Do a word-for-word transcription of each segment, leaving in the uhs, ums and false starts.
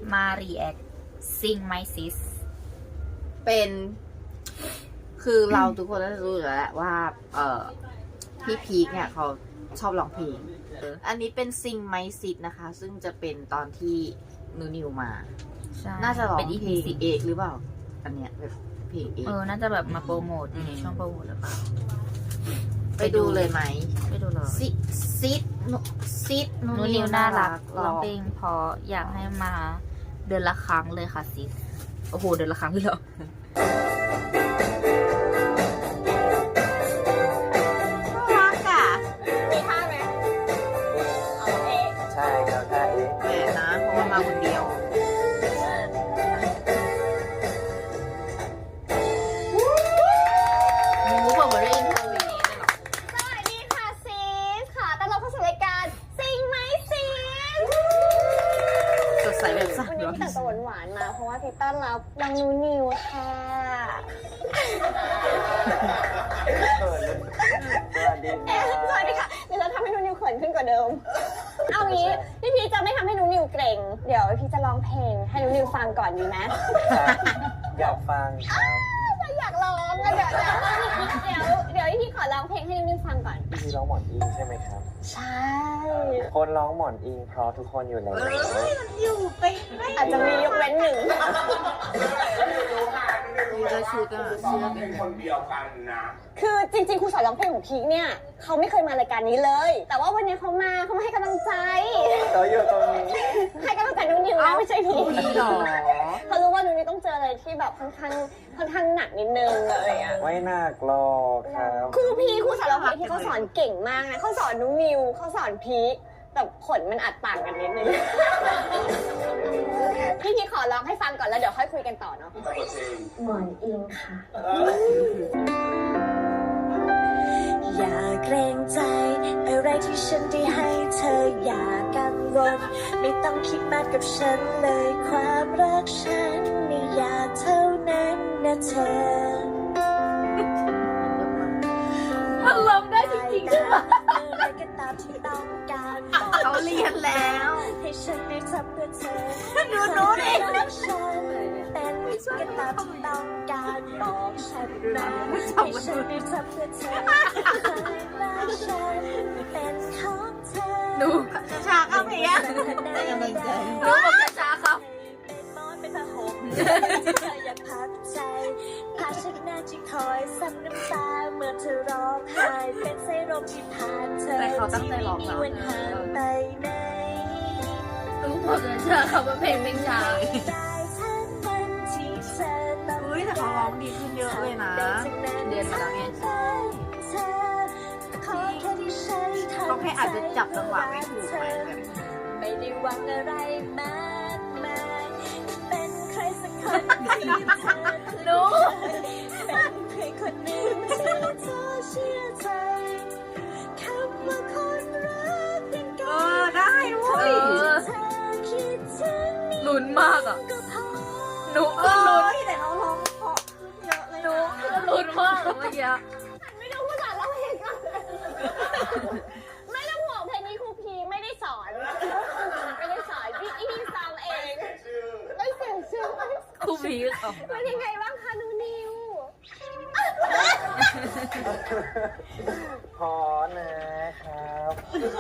มา react Sing My Sis เป็นคือเราทุกคนน่าจะรู้อยู่แล้วแหละว่าเอ่อพี่พีคเนี่ยเขาชอบร้องเพลงอันนี้เป็นซิงไมซิดนะคะซึ่งจะเป็นตอนที่นูนิวมาใช่น่าจะร้องเป็นเพอีลพีงสิบเอกหรือเปล่าอันเนี้ยแบบเพลงเอกเออน่าจะแบบมาโปรโมทในช่วงโปรโมทหรือเปล่าไปดูเลยไหมไปดูเลยซิซิดซิดนูนิวน่ารักร้องเพลงเพออยากให้มาเดือนละครั้งเลยค่ะซิสโอ้โหเดือนละครั้งเลยเหรอรักอ่ะมีท่าไหมเอาเองใช่ครับใช่เองแหมนะเพราะว่ามาคนเดียวมูบอกว่าได้ยินเพลงนี้เลยเหรอสวัสดีค่ะซีสค่ะต้อนรับเข้าสู่รายการซิงไหมซีสสดใสแบบสั่นวันนี้ร้อนพี่แต่งตัวหวานๆมา เพราะว่าพี่ต้อนรับน้องนูนิวค่ะเขินเลยสวัสดีเอ๊ะค่ะสวัสดีค่ะเดี๋ยวจะทำให้นูนิวเขินขึ้นกว่าเดิม เอางี้พี่พีจะไม่ทำให้นูนิวเกรงเดี๋ยวพี่จะร้องเพลงให้นูนิวฟังก่อนดีไหมอยากฟังครับอยากร้องอะเดี๋ยวเดี๋ยวเดี๋ยวเดี๋ยวพี่ขอร้องเพลงให้นูนิวฟังก่อนพี่ร้องหมอนอิงใช่ไหมครับใช่คนร้องหมอนอิงเพราะทุกคนอยู่แล้วอยู่ไปอาจจะมียกเว้นหนึ่งมีแล้วชุดอ่ะเสื้อเป็นคนเดียวกันนะคือจริงๆครูสอนร้องเพลงของพีคเนี่ยเขาไม่เคยมารายการนี้เลย แต่ว่าวันนี้เขามาเขามาให้กำลังใจเขาอยู่ตรงนี้ให้กำลังใจนุ่นนิวนะไม่ใช่พีคพี่หรอเขารู้ว่านุ่นนิวต้องเจออะไรที่แบบค่อนข้างค่อนข้างหนักนิดนึงอะไรอย่างเงี้ยไม่น่ากลอกครับครูพีครูสอนร้องเพลงที่เขาสอนเก่งมากนะเขาสอนนุ่นนิวเขาสอนพีคแต่ผลมันอาจต่างกันนิดนึงพี่พีคขอร้องให้ฟังก่อนแล้วเดี๋ยวค่อยคุยกันต่อเนาะหมอนอิงค่ะอย่าเกรงใจอะไรที่ฉันได้ให้เธออย่ากังวลไม่ต้องคิดมากกับฉันเลยความรักฉันไม่อยากเท่านั้นนะเธอมันร้องได้จริงๆใช่ปะอะไรก็ตามที่ต้องการเขาเรียนแล้วให้ฉันได้ทำเพื่อเธอดูหนูดิรักฉันเป็นก็ตามที่ต้องการบอกฉันนะให้ฉันได้ทำเพื่อเธอรักฉันเป็นของเธอหนูชาครับเพียงยังไม่ใจหนูบอกชาครับเป็นมอนเป็นผ้าห่มที่เธออยากพักใจผ้าเช็ดหน้าที่คอยซับน้ำตาเมื่อเธอร้องไห้เป็นสายลมที่ผ่านเธอแต่เขาตั้งใจร้องที่นะไม่มีวันห่างไปไหนหนูบอกเลยชาเขาเป็นเพลงเป็นชาได้ทั้งวันที่เธอต้องเฮ้ยแต่เขาร้องดีขึ้นเยอะเลยนะเรียนมาแล้วไงเธอขอแค่ที่ฉันทำเขาแค่อาจจะจับจังหวะไม่ถูกไหมแบบไม่ได้หวังอะไรมากมายเป็นใครสักคนที่เธอหนูเป็นใครคนหนึ่งที่เธอเชื่อใจคำว่าคนรักเป็นเอการอได้เว้เอย อเธอคิดถึงนี่ลุ้นมากอ่ะก็พอหนูเอก็ลุ้นอแต่เขาร้องเพราะขึ้นเยอะเลยหนูนะก็ลุ้นมากอะเมื่อกี้ไม่ต้องพูดสอนร้องเพลงก่อนไม่ต้องห่วงเพลงนี้ครูพีไม่ได้สอนไม่ได้สอนพี่อีพีซ้ำเองไม่เสียชื่อครูพีคของเป็นยังไงบ้างคะนูนิวพอนะครับ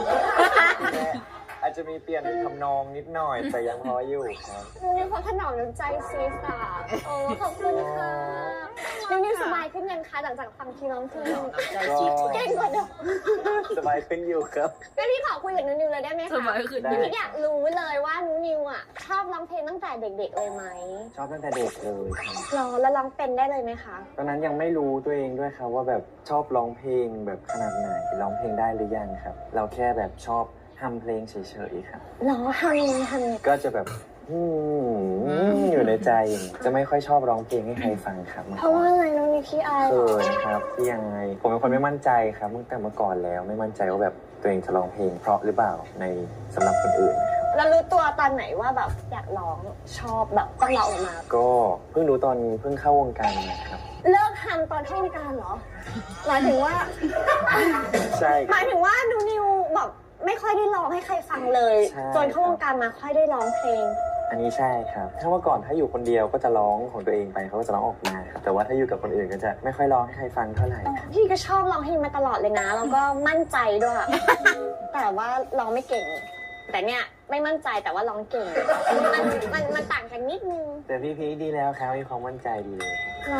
อาจจะมีเปลี่ยนทำนองนิดหน่อยแต่ยังพออยู่ครับนูนิวเขาถนอมน้ำใจซีสอ่ะโอ้ขอบคุณค่ะนูนิวสบายขึ้นยังคะหลังจากฟังทีน้องเพลงใจจิ๊บเก่งกว่าเดิมสบายขึ้นอยู่ครับงั้นพี่ขอคุยกับนูนิวเลยได้ไหมสคะมัยขึ้นได้พี่อยากรู้เลยว่านูนิวอ่ะชอบร้องเพลงตั้งแต่เด็กๆเลยไหมชอบตั้งแต่เด็กเลยครับร้องแล้วร้องเป็นได้เลยไหมคะตอนนั้นยังไม่รู้ตัวเองด้วยครับว่าแบบชอบร้องเพลงแบบขนาดไหนร้องเพลงได้หรือยังครับ เราแค่แบบชอบทำเพลงเฉยๆครับร้องทำยังไงทำยังไงก็จะแบบอืมอยู่ในใจอย่างนี้จะไม่ค่อยชอบร้องเพลงให้ใครฟังครับเพราะว่าอะไรน้องนิวขี้อายเหรเขิอนครับที่ยังไง ผมเป็นคนไม่มั่นใจครับตั้งแต่เมื่อก่อนแล้วไม่มั่นใจว่าแบบตัวเองจะร้องเพลงเพราะหรือเปล่าในสำหรับคนอื่นนะครับแล้วรู้ตัวตอนไหนว่าแบบอยากร้องชอบแบบต้องร้องออกมาก็เพิ่งรู้ตอนเพิ่งเข้าวงการนะครับเลิกทำตอนเข้าวงการเหรอหมายถึงว่าใช่หมายถึงว่านูนิวแบบไม่ค่อยได้ร้องให้ใครฟังเลยใช่จนเข้าวงการมาค่อยได้ร้องเพลงอันนี้ใช่ครับ ถ้าเมื่อก่อนถ้าอยู่คนเดียวก็จะร้องของตัวเองไปเขาก็จะร้องออกมาครับแต่ว่าถ้าอยู่กับคนอื่นก็จะไม่ค่อยร้องให้ใครฟังเท่าไหร่ครับพี่ก็ชอบร้องเพลงมาตลอดเลยนะแล้วก็มั่นใจด้วย แต่ว่าร้องไม่เก่ง แต่เนี่ยไม่มั่นใจแต่ว่าร้องเก่ง มันมันมันต่างกันนิดนึงแต่พี่พีคดีแล้วครับมีความมั่นใจดีเลย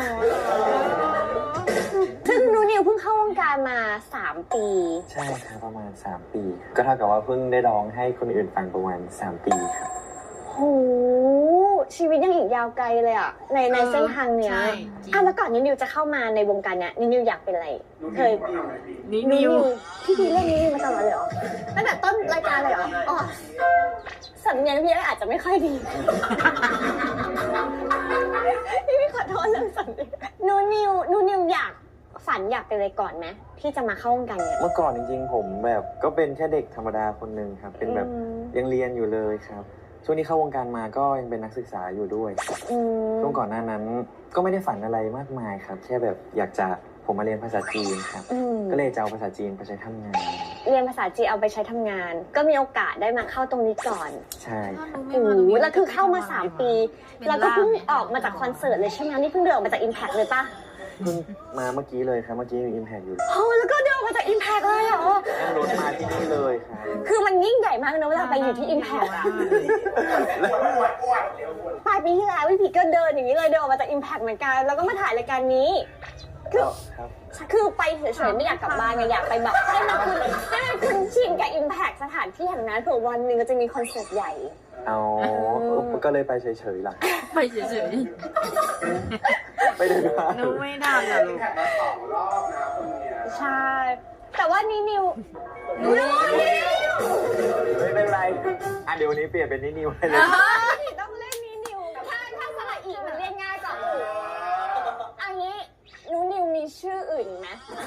ซึ่งหนูนิวเพิ่งเข้าวงการมาสามปีใช่ครับประมาณสามปี ก็เท่ากับว่าเพิ่งได้ร้องให้คนอื่นฟังประมาณสามปีครับโหชีวิตยังอีกยาวไกลเลยอ่ะในในเส้นทางเนี้ยใช่จริงอ่ะแล้วก่อนนินิวจะเข้ามาในวงการเนี้ยนินิวอยากเป็นอะไรเคยนินิวพี่พีเรื่องนี้มาตลอดเลยเหรอตั้งแต่ต้นรายการเลยเหรออ๋อสำเนียงพี่อาจจะไม่ค่อยดี พี่พี่ขอโทษเรื่องสำเนียงหนูนิวหนูนิวอยากฝันอยากเป็นอะไรก่อนไหมที่จะมาเข้าวงการเนี้ยเมื่อก่อนจริงๆผมแบบก็เป็นแค่เด็กธรรมดาคนหนึ่งครับ เป็นแบบอืมยังเรียนอยู่เลยครับ ช่วงนี้เข้าวงการมาก็ยังเป็นนักศึกษาอยู่ด้วยครับอืมช่วงก่อนหน้านั้นก็ไม่ได้ฝันอะไรมากมายครับ แค่แบบอยากจะผมมาเรียนภาษาจีนครับอืมก็เลยจะเอาภาษาจีนไปใช้ทำงานเรียนภาษาจีนเอาไปใช้ทำงาน ก็มีโอกาสได้มาเข้าตรงนี้ก่อนใช่ครับโอ้โหแล้วคือเข้ามาสามปี แล้วก็เพิ่งออกมาจากคอนเสิร์ตเลยใช่ไหมนี่เพิ่งเดินออกมาจาก Impact เลยปะเพิ่งมาเมื่อกี้เลยครับ เมื่อกี้มีอิมแพคอยู่โอ้แล้วก็เดินออกมาจาก Impact เลยเหรอนั่งรถมาที่นี่เลยครับคือมันยิ่งใหญ่มากนะเวลาไปอยู่ที่ Impact อะปลายปีที่แล้วพี่พีก็เดินอย่างนี้เลยเดินออกมาจาก Impact เหมือนกัน แล้วก็มาถ่ายรายการนี้ คือครับคือไปเฉยๆไม่อยากกลับบ้านไงอยากไปแบบให้มันคุ้นให้มันคุ้นชินกับ Impact สถานที่แห่งนั้นเผื่อวันหนึ่งก็จะมีคอนเสิร์ตใหญ่เอาก็เลยไปเฉยๆล่ะไปเฉยไปเดินมาๆหนูไม่ได้อะลูกใช่ แต่ว่านี่นิวไม่เป็นไรอ่ะเดี๋ยววันนี้เปลี่ยนเป็นนินิวให้เลยพี่ต้องเล่นนี่นิว ถ้าถ้าสระอีมันเรียกง่ายกว่าอื่นอันนี้หนูนิวมีชื่ออื่นไหม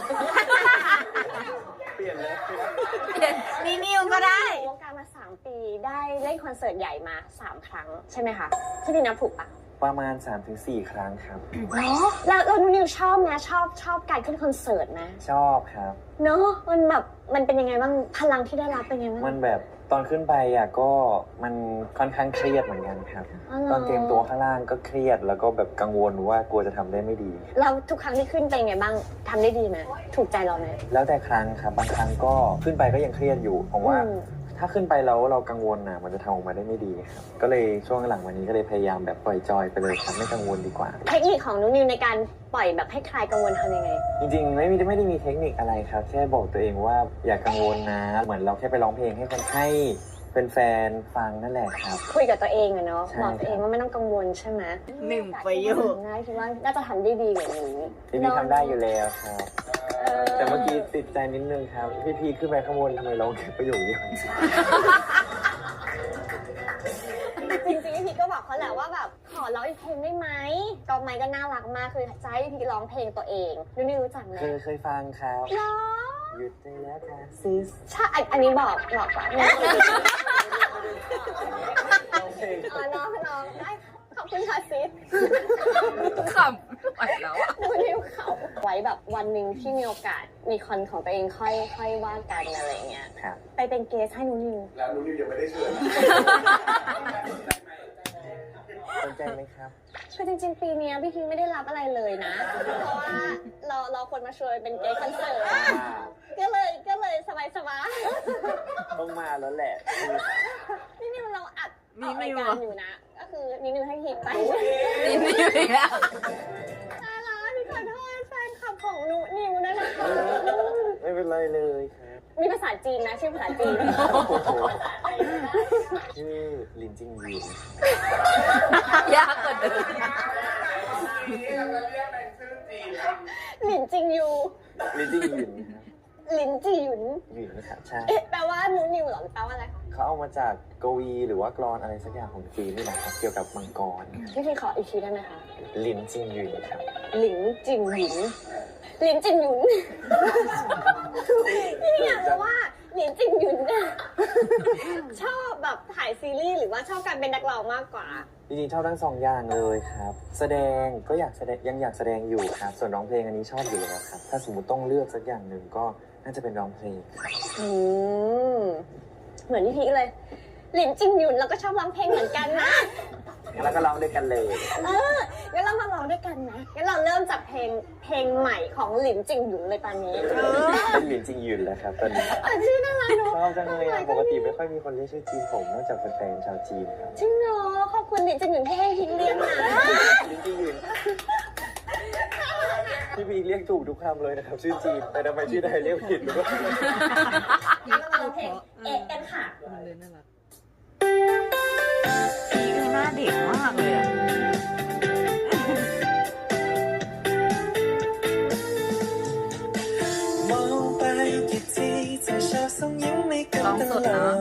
เปลี่ยนเลยนินิวก็ได้วงการมาสามปีได้เล่นคอนเสิร์ตใหญ่มาสามครั้งใช่ไหมคะที่พี่นับถูกปะประมาณ สามถึงสี่ ครั้งครับเนาะแล้วแล้วหนูนิวชอบไหมชอบชอบการขึ้นคอนเสิร์ตไหมชอบครับเนาะมันแบบมันเป็นยังไงบ้างพลังที่ได้รับเป็นยังไงบ้างมันแบบตอนขึ้นไปอ่ะก็มันค่อนข้างเครียดเหมือนกันครับอ๋อเหรอตอนเตรียมตัวข้างล่างก็เครียดแล้วก็แบบกังวลว่ากลัวจะทำได้ไม่ดีแล้วทุกครั้งที่ขึ้นเป็นยังไงบ้างทำได้ดีไหมถูกใจเราไหมแล้วแต่ครั้งครับบางครั้งก็ขึ้นไปก็ยังเครียดอยู่ผมว่าอืมถ้าขึ้นไปแล้วเรากังวลนะมันจะทำออกมาได้ไม่ดีครับก็เลยช่วงหลังวันนี้ก็เลยพยายามแบบปล่อยจอยไปเลยครับไม่กังวลดีกว่าเทคนิคของนุนิวในการปล่อยแบบให้คลายกังวลทำยังไงจริงๆไม่มีไม่ได้มีเทคนิคอะไรครับ แค่บอกตัวเองว่าอย่ากังวลนะ เหมือนเราแค่ไปร้องเพลงให้คนให้เป็นแฟนฟังนั่นแหละครับคุยกับตัวเองอะเนาะใช่บอกตัวเองว่าไม่ต้องกังวลใช่ไหมหนึ่งประโยคง่ายคิดว่าน่าจะทำได้ดีกว่านี้พี่พีทำได้อยู่แล้วครับเออแต่เมื่อกี้ติดใจนิดนึงครับ พี่พีขึ้นไปข้างบนทำไมร้องแค่ประโยคเดียวจริงๆพี่ก็บอกเขาแหละว่าแบบขอร้องอีกเพลงได้ไหมก็ไม่ก็น่ารักมากคือจะให้พี่ร้องเพลงตัวเองนุนิวรู้จักไหมเคยเคยฟังครับเหรอหยุดได้แล้วค่ะซิสใช่อันอันนี้บอกบอกก่อนร้องเพลงอ๋อน้องน้องได้ขอบคุณค่ะซิสขำไหวแล้วอะดูนิ้วเขาไว้แบบวันหนึ่งที่มีโอกาสมีคอนของตัวเองค่อยค่อยว่ากันอะไรเงี้ยครับไปเป็นเกสให้หนูนิวแล้วนุ้นิวยังไม่ได้เชิญสนใจไหมครับคือจริงๆปีเนี้ยพี่พิงไม่ได้รับอะไรเลยนะ เพราะว่าเราเราคนมาชวนเป็นเกสคอนเสิร์ตก็เลยก็เลยสบายสบายต้องมาแล้วแหละๆนี่นิวเราอัดนี่ออกรายนิวการเหรออยู่นะ ก็คือนี่นิวให้ฮิปไปนินิวอีกแล้วตายแล้วพี่ขอโทษแฟนคลับของหนูนิวนะคะไม่เป็นไรเลยครับมีภาษาจีนนะชื่อภาษาจีนโอ้โหชื่อลินจิงยินยากกว่าเดิมหลินจิงยูลินจิงยินครับหลินจีหยุนหยินนะครับใช่เอ๊ะแปลว่าหนูนิวเหรอหรือแปลว่าอะไรเขาเอามาจากกวีหรือว่ากลอนอะไรสักอย่างของจีนนี่แหละครับเกี่ยวกับมังกรพี่พี่ขออีกทีได้ไหมคะลินจิงยินครับหลินจิงหยุนหลินจิงหยุนพี่อยากรู้ว่าหลินจิงหยุนเนี่ยชอบแบบถ่ายซีรีส์หรือว่าชอบการเป็นนักร้องมากกว่าจริงๆชอบทั้งสองอย่างเลยครับ แสดงก็อยากแสดงยังอยากแสดงอยู่ครับ ส่วนร้องเพลงอันนี้ชอบอยู่แล้วครับ ถ้าสมมติต้องเลือกสักอย่างหนึ่งก็น่าจะเป็นร้องเพลงอืมเหมือนพี่พีคเลยหลินจิงหยุนเราก็ชอบร้องเพลงเหมือนกันนะแล้วก็ร้องด้วยกันเลยเอองั้นเรามาร้องด้วยกันนะงั้นเราเริ่มจากเพลงเพลงใหม่ของหลินจิงหยุนเลยตอนนี้เป็นหลินจริงยืนแล้วครับตอนนี้เออชื่อน่ารักเนอะชอบจังเลยอะปกติไม่ค่อยมีคนเรียกชื่อจีนผมนอกจากแฟนๆชาวจีนครับจริงเนาะขอบคุณหลินจิงหยุนที่ให้พิงเลี้ยงนะหลินจริงยืนพี่พีเรียกถูกทุกคำเลยนะครับชื่อจีนแต่ทำไมชื่อไทยเรียกผิดหรือเปล่างั้นเรามาร้องเพลงเอ๊ะกันค่ะพีคหน้าเด็กมากเลยอะมองไปกี่ทีเธอชอบส่งยิ้มให้กันร้องตสดลนะอด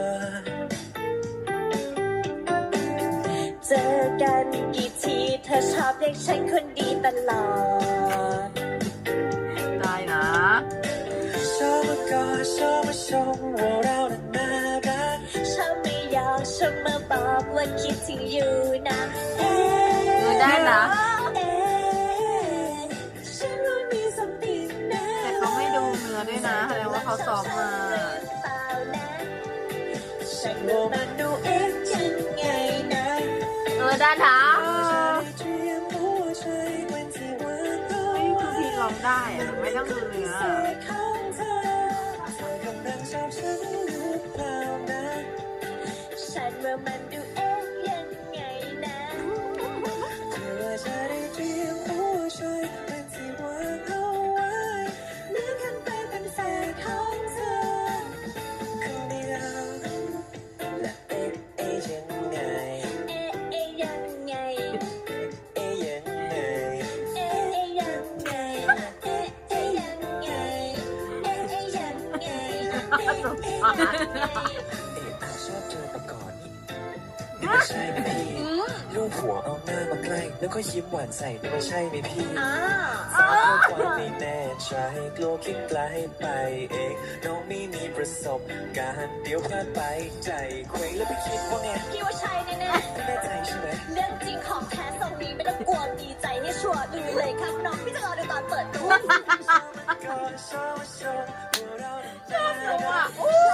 เจอกันกี่ทีเธอชอบเรียกฉันคนดีตลอดได้นะชอบมากอดชอบมาชมว่าเรานั้นน่ารักชอบไม่ยอมชอบมาบอกว่าคิดถึงอยู่นะเอ๊เออะ ได้นะเอ๊ะฉันว่ามี something นะแต่เขาไม่ดูเนื้อด้วยนะแสดงว่าเขาซ้อมมาเปล่านะฉันว่ามันดูเอ๊ะยังไงนะเออได้นะเตรียมหัวใจเป็นที่วางเอาเฮ้ยไว้คือพีคร้องได้อะไม่ต้องดูเนื้อของเธอเธอกำลังชอบฉันหรือเปล่านะฉันว่ามันดูเอ๊ะยังไงนะเธอจะได้เตรียมหัวใจเป็นที่วางเอาไว้เลื่อนขึ้นไปเป็นแฟนของเธอคนเดียวและเอ๊ะเอ๊ะยังไงเอ๊ะเอ๊ะยังไงเอ๊ะยังไงเอ๊ะเอ๊ะยังไง เอ๊ะเอ๊ะยังไง เอ๊ะเอ๊ะยังไง เอ๊ะเอ๊ะยังไงเอ๊ะอาชอบเธอมาก่อนนี่ไม่ใช่ไหมพี่ลูกหัวเอาหน้ามาใกล้แล้วก็ยิ้มหวานใส่นี่ไม่ใช่ไหมพี่อ่าสาวข้อความไม่แน่ใจกลัวคิดไกลไปเองน้องไม่มีประสบการณ์เดี๋ยวพลาดไปใจเคว้งแล้วไปคิดว่าไงพี่ว่าใช่แน่แน่ใจใช่ไหมๆเรื่องจริงของแท้ทรงนี้ไม่ต้องกลัวดีใจให้ชัวร์ดูเลยครับน้องพี่จะรอดูตอนเปิดตัวก็ชอบชอบว่าเราชอบชอบมา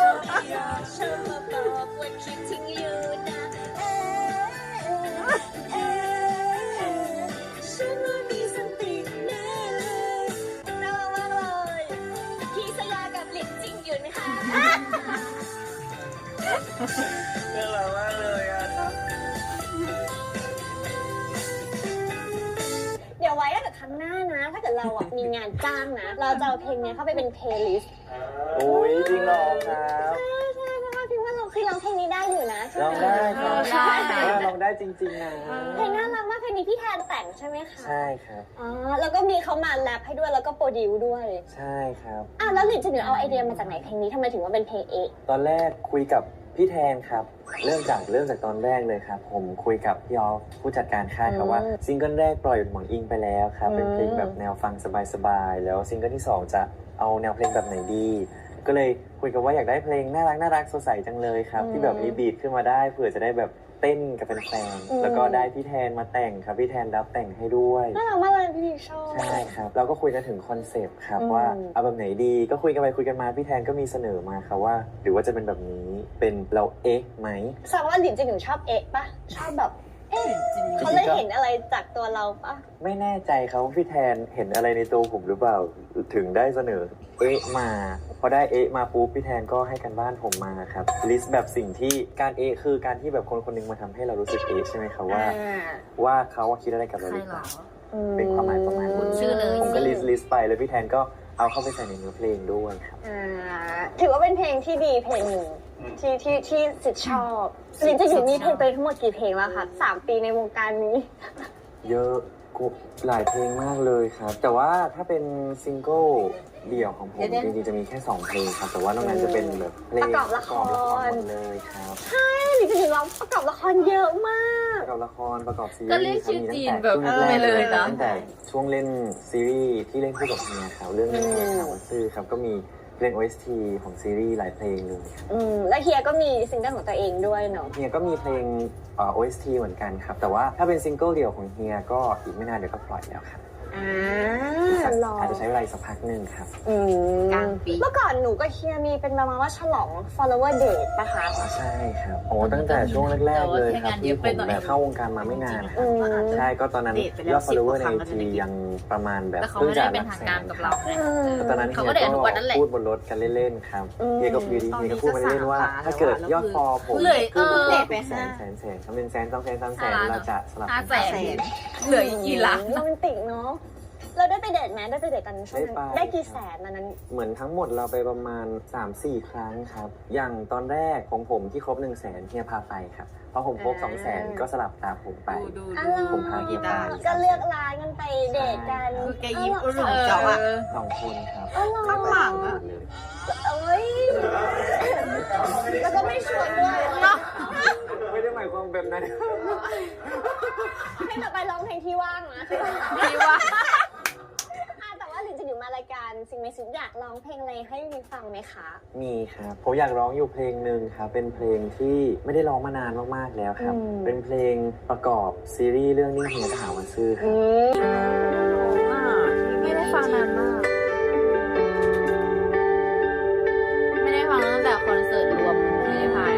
บอกว่าคิดถึงอยู่นะเอ๊ะเอ๊ะฉันว่ามีสติแน่เลยน่ารักมากเลยพี่สยากับหลินจริงอยู่นะคะน่ารักมากเลยอ่ะเดี๋ยวไว้ถ้าเกิดครั้งหน้านะ ถ้าเกิดเราอ่ะมีงานจ้างนะ เราจะเอาเพลงเนี้ยเข้าไปเป็นเพลย์ลิสต์โอ้ยจริงเหรอครับใช่ใช่เพราะว่าพี่ว่าเราคือร้องเพลงนี้ได้อยู่นะใช่ลองไหมได้ครับได้เออลองได้จริงๆนะเพลงน่ารักมากเพลงนี้พี่แทนแต่งใช่ไหมคะใช่ครับอ๋อแล้วก็มีเขามาแรปให้ด้วยแล้วก็โปรดิวซ์ด้วยใช่ครับอ่ะแล้วหลินจะหนูเอาไอเดียมาจากไหนเพลงนี้ทำไมถึงว่าเป็นเพลงเอะตอนแรกคุยกับพี่แทนครับ เริ่มจากเริ่มจากตอนแรกเลยครับ ผมคุยกับพี่ออฟผู้จัดการค่ายครับว่าซิงเกิลแรกปล่อยหมอนอิงไปแล้วครับ เป็นเพลงแบบแนวฟังสบายๆ แล้วซิงเกิลที่สองจะเอาแนวเพลงแบบไหนดี ก็เลยคุยกันว่าอยากได้เพลงน่ารักน่ารักสดใสจังเลยครับ ที่แบบมีบีทขึ้นมาได้เผื่อจะได้แบบเต้นกับแฟนๆแล้วก็ได้พี่แทนมาแต่งครับพี่แทนรับแต่งให้ด้วยน่ารักมากเลยพี่ชอบใช่ครับเราก็คุยกันถึงคอนเซปต์ครับอืมว่าเอาแบบไหนดีก็คุยกันไปคุยกันมาพี่แทนก็มีเสนอมาครับว่า หรือว่าจะเป็นแบบนี้เป็นเราเอ๊ะไหมแสดงว่าหลินจะหนูชอบเอะปะชอบแบบเอ๊ะเขาเลยเห็นอะไรจากตัวเราปะไม่แน่ใจครับว่าพี่แทนเห็นอะไรในตัวผมหรือเปล่าถึงได้เสนอเอ๊ะมาพอได้เอ๊ะมาปุ๊บพี่แทนก็ให้กันบ้านผมมาครับลิสต์แบบสิ่งที่การเอ๊ะคือการที่แบบคนคนหนึงมาทำให้เรารู้สึกเอ๊ะใช่ไหมครับว่า ว่าเขาคิดอะไรกับเราใครหรือเหเปรอล่าเป็นความหมายประมาณคุนี้ณชื่อเลยผมก็ลิสต์ลิสต์ไปแล้วพี่แทนก็เอาเข้าไปใส่ในเนื้อเพลงด้วยครับอ่าถือว่าเป็นเพลงที่ดีเพลงหนึ่งที่ที่ที่สิทธิ์ชอบหลินจะอยู่นี่เพลงไปทั้งหมดกี่เพลงแล้วคะสามปีในวงการนี้เยอะกูหลายเพลงมากเลยครับ แต่ว่าถ้าเป็นซิงเกิลเดี่ยวของผมจริงๆจะมีแค่สองเพลงครับ แต่ว่านอกนั้นจะเป็นแบบเพลงประกอบละครประกอบละครหมดเลยครับหลินจะอยู่ร้องประกอบละครเยอะมากประกอบละครประกอบซีรีส์ก็เรียกชื่อจีนแบบช่วงแรกๆไปเลยนะตั้งแต่ช่วงเล่นซีรีส์ที่เล่นคู่กับเมียครับเรื่องนี้ข่าวซื่อครับก็มีเพลง โอ เอส ที ของซีรีส์หลายเพลงเลยครับอืมแล้วเฮียก็มีซิงเกิลของตัวเองด้วยเนาะเฮียก็มีเพลงเอ่อ โอ เอส ที เหมือนกันครับ แต่ว่าถ้าเป็นซิงเกิลเดี่ยวของเฮียก็อีกไม่นานเดี๋ยวก็ปล่อยแล้วครับอ่าๆรออาจจะใช้เวลาอีกสักพักหนึ่งครับอืมกลางปีเมื่อก่อนหนูกับเฮียมีเป็นประมาณว่าฉลอง follower date ปะคะใช่ครับโอ้ตั้งแต่ช่วงแรกๆเลยครับที่ผมแบบเข้าวงการมาไม่นานคอืรับมใช่ก็ตอนนั้นเดทไปแล้วยอด follower ในสิบกว่าครั้งไอก็จะจีได้เก็บยังประมาณแบบแต่เขาไม่ได้เป็นทางการกับเราไงตอนนั้นเขาเฮีก็ยเดททุกวันนั่นแหละก็พูดบนรถกันเล่นๆครับอืมเฮียก็อยู่ดีเฮียก็พูดมาเล่นๆว่าตอนนี้ก็ถ้าเกิดสามล้านยอดฟอลผมเหลือเออขึ้นเดทไปแสห้านแสนแสนสามเป็นแสนสองแสนสามแสนห้าล้านเราจะสลับห้ากันแสน เหลืออีกกี่ล้านโรแมนติกเนาะ เราได้ไปเดทไหมได้ไปเดทกันช่วงนั้นได้ไปได้กี่แสนตอนนั้นเหมือนทั้งหมดเราไปประมาณ สามสี่ ครั้งครับ อย่างตอนแรกของผมที่ครบ1นึ่งแสนเฮียพาไปครับพอผมครบอ่าสองแสนก็สลับตามผมไปดูดูอ๋ดูอผมพากีตาร์ก็เลือกร้านกันไปเดทกันคือแกยิ้มเอออุดหนุนเจาะอะสองคนครับเออข้างหลังอะเลยเอ้ยแล้วก็ไม่ชวนด้วยเนาะไม่ได้หมายความแบบนั้นให้ต่อไปร้องเพลงที่ว่างนะที่ว่าอ่ะแต่ว่าหลินจะอยู่มารายการสิ่งมีสิทธิ์อยากร้องเพลงอะไรให้วิฟังไหมคะมีครับผมอยากร้องอยู่เพลงหนึ่งครับเป็นเพลงที่ไม่ได้ร้องมานานมากๆแล้วครับอืมเป็นเพลงประกอบซีรีส์เรื่องนิ่งเฮียทหารวันซื่อครับไม่ได้ฟังนานมาก ไม่ได้ฟังตั้งแต่คอนเสิร์ตรวมที่ได้พายอะ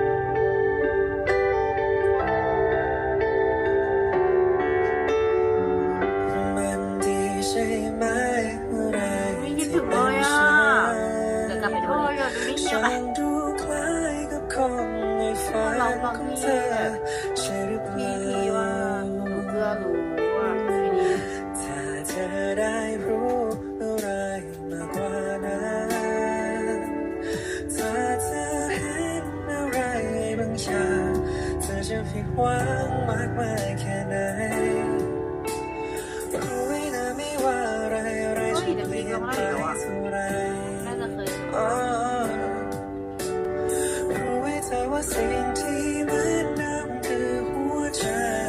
มันดีใช่ไหมอะไรไม่คิดถึงเลยอ่ะเดี๋ยวกลับไปดูโอ้ยดิอยากดูนี่ฉัเนี่ยนดูคล้ายกับคนในฝันเราฟังของที่เธอใช่หรือเปพี่ล่าพี่ว่าหนูเกือรู้ว่าไอ้นี่ถ้าเธอได้รู้อะไรมากกว่านั้นถ้าเธอเห็นอะไรบางอย่างเธอจะผิดหวังมากมายแค่ไหนรู้ไว้นะไม่ว่าอะไรอะไรจะเปลี่ยนไปเท่าไรน่าจะเคยอ๋อรู้ไว้เธอว่าสิ่งที่เหมือนเดิมคือหัวใจ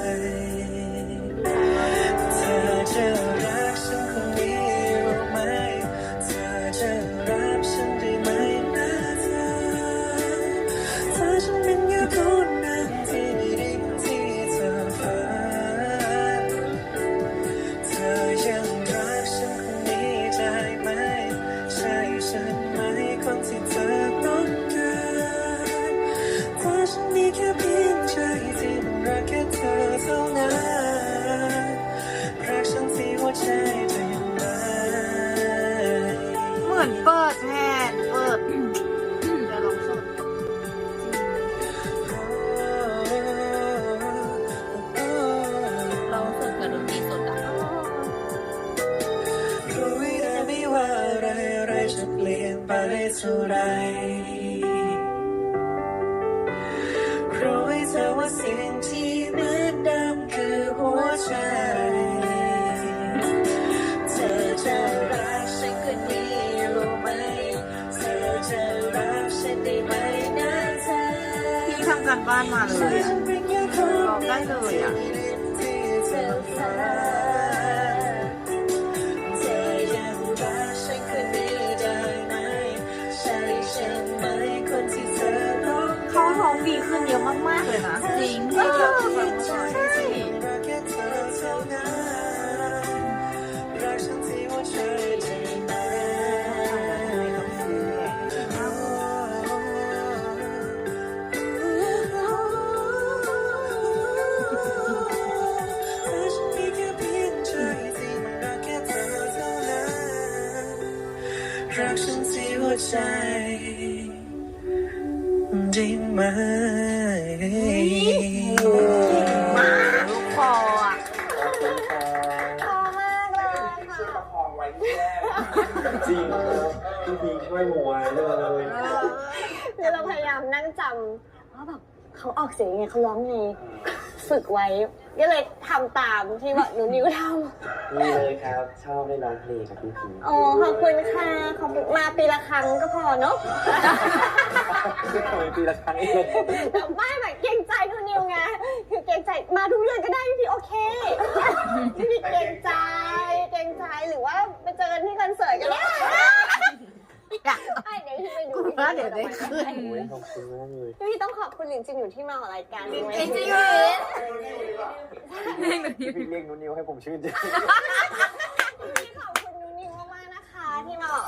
เธอจะรักฉันคนนี้รู้ไหมเธอจะรับฉันได้ไหมนะเธอถ้าฉันเป็นแค่คนนั้นที่ไม่ได้ที่เธอฝันเธอยังรักฉันคนนี้ได้ไหมใช่ฉันไหมคนที่เธอต้องการถ้าฉันมีแค่เพียงใจที่มันรักแค่เธอเท่านั้นรักฉันที่หัวใจได้ไหมเหมือนเปิดแทนเปิดจะลองสดเราสดกับดนตรีสดอะรู้ไว้นะไม่ว่าอะไรอะไรจะเปลี่ยนไปเท่าไรรู้ไว้เธอว่าสิ่งที่เหมือนเดิมคือหัวใจเธอจะรักฉันคนนี้รู้ไหมเธอจะรักฉันได้ไหมนะเธอพี่ทำการบ้านมาเลยอะร้องได้เลยอ่ะที่เธอฝันเธอยังรักฉันคนนี้ได้ไหมใช่ฉันไหมคนที่เธอต้องเขาร้องดีขึ้นเยอะมากๆเลยนะจริงเออฟังมาก่อนใช่รักแค่เธอเท่านั้นรักฉันที่หัวใจได้ไหมถ้าฉันมีแค่เพียงใจที่มันรักแค่เธอเท่านั้นรักฉันที่หัวใจได้ไหมลูกคออ่ะขอบคุณครับพอมากเลยค่ะจริงครับพี่พีช่วยหมวยเลยเดี๋ยวเราพยายามนั่งจำว่าแบบเขาออกเสียงยังไงเขาร้องไงฝึกไว้ ก็เลยทำตามที่แบบหนูนิวทำนี่เลยครับชอบได้ร้องเพลงกับพี่พีโอ้ขอบคุณค่ะขอบคุณมาปีละครั้งก็พอเนาะทำไมปีละครั้งเองแต่ไม่แบบเกรงใจคุณนิวไงคือเกรงใจมาทุกเดือนก็ได้พี่พีโอเคพี่พีเกรงใจเกรงใจหรือว่าไปเจอกันที่คอนเสิร์ตก็ได้ไอ้เดี๋ยวพี่ไปดูว่าเดี๋ยวได้ขึ้นโอ้ยขอบคุณมากเลยพี่พีต้องขอบคุณหลินจินอยู่ที่มาออกรายการด้วยจริงจริงพี่พีเรียกนุนิวให้ผมชื่นใจ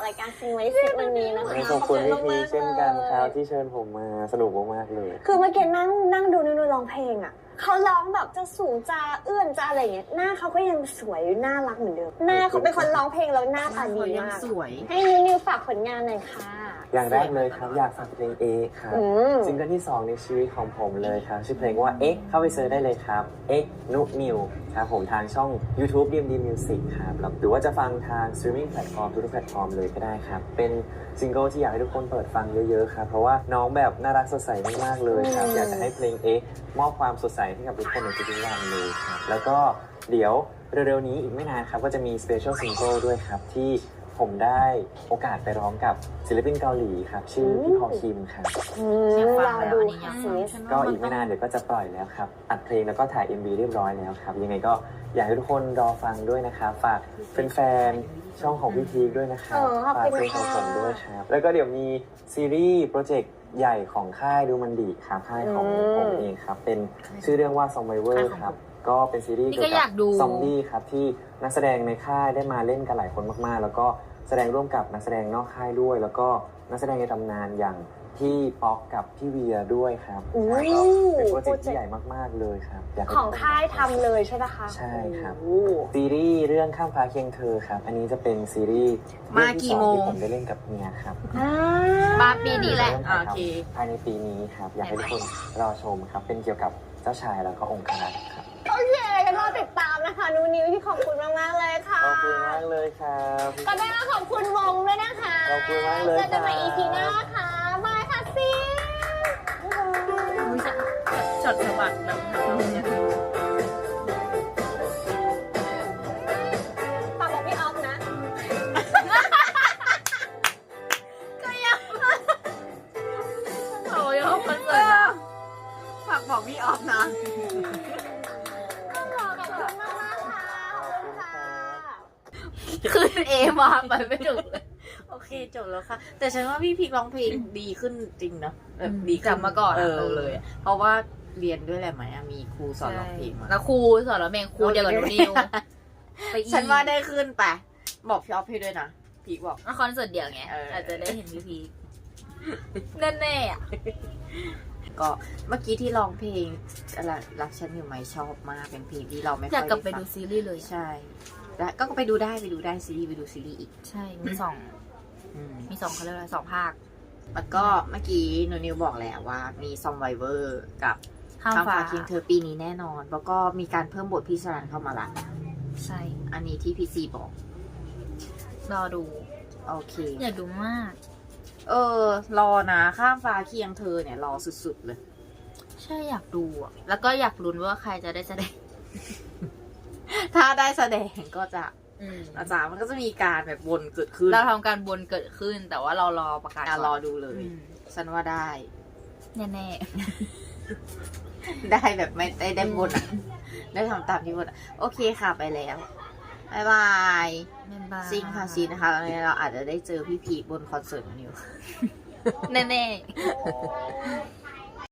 รายการซิงไว้ซิวันนี้นะคะขอบคุณพี่พีมากๆเช่นกันครับเลยที่เชิญผมมาสนุกมากๆเลยคือเมื่อกี้นั่งนั่งดูนิวร้องเพลงอ่ะเขาร้องแบบจะสูงจะเอื้อนจะอะไรอย่างเงี้ยหน้าเขาก็ยังสวยน่ารักเหมือนเดิมหน้าเขาเป็นคนร้องเพลงแล้วหน้าตาดียังมากสวยให้นิวนิวฝากผลงานหน่อยค่ะอย่างแรกเลยครับ อยากฝากเพลงเอ็กครับอืมซิงเกิลที่สองในชีวิตของผมเลยครับ ชื่อเพลงว่าเอ็กเข้าไปเซิร์ชได้เลยครับเอ็กนุนิวครับผมทางช่อง YouTube ดี เอ็ม ดี Music ครับหรือว่าจะฟังทาง streaming platform ทุกๆแพลตฟอร์มเลยก็ได้ครับ เป็นซิงเกิลที่อยากให้ทุกคนเปิดฟังเยอะๆครับ เพราะว่าน้องแบบน่ารักสดใสมากๆเลยครับ อยากจะให้เพลงเอ็กมอบความสดใสให้กับทุกคนในทุกๆวันเลยครับแล้วก็เดี๋ยวเร็วๆนี้อีกไม่นานครับก็จะมี special single ด้วยครับที่ผมได้โอกาสไปร้องกับศิลปินเกาหลีครับชื่อพี่พอคิมครับอืมอยากฟัรง อแล้วดูอันนี้อยาค่ะกฟังซิสก็อีกไม่นานเดี๋ยวก็จะปล่อยแล้วครับอัดเพลงแล้วก็ถ่าย เอ็ม วี เรียบร้อยแล้วครับยังไงก็อยากให้ทุกคนรอฟังด้วยนะครับฝากแฟนๆช่องของพี่พีคด้วยนะครับเออขอบฝากคุณเพลงของค่ะผมด้วยครับแล้วก็เดี๋ยวมีซีรีส์โปรเจกต์ใหญ่ของค่ายดูมันดีครับค่ายของอืมผมเองครับเป็นชื่อเรื่องว่า Survivor ครับก็เป็นซีรีส์นี่เกี่ก็ยวอกัยากดูซอมบี้ครับที่นักแสดงในค่ายได้มาเล่นกันหลายคนมากๆ แล้วก็แสดงร่วมกับนักแสดงนอกค่ายด้วย แล้วก็นักแสดงในตำนานอย่างพี่ป๊อกกับพี่เวียด้วยครับอู้ใช่ก็เป็นโปรเจกต์ที่ใหญ่มากๆเลยครับอยากให้ของทุกนค่ายทำเลยใช่ปะคะใช่ครับโอ้ซีรีส์เรื่องข้ามฟ้าเคียงเธอครับ อันนี้จะเป็นซีรีส์มากี่โมงเรื่องที่สอที่ผมได้เล่นกับเมียครับอ่ามาปีนี้แหละเริ่มถ่ายโอเคทำภายในปีนี้ครับ อยากให้ทุกคนรอชมครับ เป็นเกี่ยวกับเจ้าชายแล้วก็องค์รักษ์ครับโอเคกันรอติดตามนะคะนูนิวที่ขอบคุณมากๆเลยค่ะขอบคุณมากเลยครับก็ได้มาขอบคุณวงด้วยนะคะขอบคุณมากเลยเจอกันใหม่ครับอี พี หน้าค่ะบายค่ะซีอุ๊ยจะจดสะบัดแบบทำเนี่ยฝากบอกพี่ออฟนะโอ้ยคอนเสิร์ตนะฝากบอกพี่ออฟนะขอบคุณมากๆค่ะขอบคุณค่ะขึ้นเอมาไปไม่ถูกเลยโอเคจบแล้วค่ะ แต่ฉันว่าพี่พีคร้องเพลงดีขึ้นจริงเนาะแบบอืมดีขึ้กลับมาก่อนเออะอเลย เพราะว่าเรียนด้วยแหละไหมอะมีครูสอนร้องเพลงมาแล้วครูสอนร้องเพลงครูเดียวกับหนูนิวไปอีกฉันว่าได้ขึ้นไปบอกพี่ออฟให้ด้วยนะพีคบอกคอนเสิร์ตเดียวไงเออออาจจะได้เห็นพี่พีคแน่ๆอ่ะก็เมื่อกี้ที่ร้องเพลงอะไรรักฉันอยู่ไหมชอบมากเป็นเพลงที่เราไม่ค่อยอยากกลับไปฟังดูซีรีส์เลยใช่แล้วก็ไปดูได้ไปดูได้ซีรีส์ไปดูซีรีส์อีกใช่ มีสองอืมมีสองเขาเรียกอะไรสองภาคแล้วก็เมื่อกี้หนูนิวบอกแล้วว่ามีซอมไวเวอร์กับข้ามข้ามฟ้าฟ้าเคียงเธอปีนี้แน่นอน แล้วก็มีการเพิ่มบทพี่สรันเข้ามาละใช่อันนี้ที่พีซีบอกรอดูโอเคอยากดูมากเออ รอนะข้ามฟ้าเคียงเธอเนี่ยรอสุดๆเลยใช่อยากดูอ่ะ แล้วก็อยากลุ้นว่าใครจะได้แสดงถ้าได้แสดงก็จะอืมอาจารย์มันก็จะมีการแบบวนเกิดขึ้นเราทำการบนเกิดขึ้น แต่ว่าเรารอประกาศอ่ะก่นรอดูเลยอืมฉันว่าได้แน่ได้แบบไม่ได้ได้บนอ่ะ ได้ทำตามที่บนอะโอเคค่ะไปแล้วบายบายๆแม่นบ้าซิงค่ะซีนะคะแล้วเนี่ยเราอาจจะได้เจอพี่พีคบนคอนเสิร์ตนิวแน่ๆ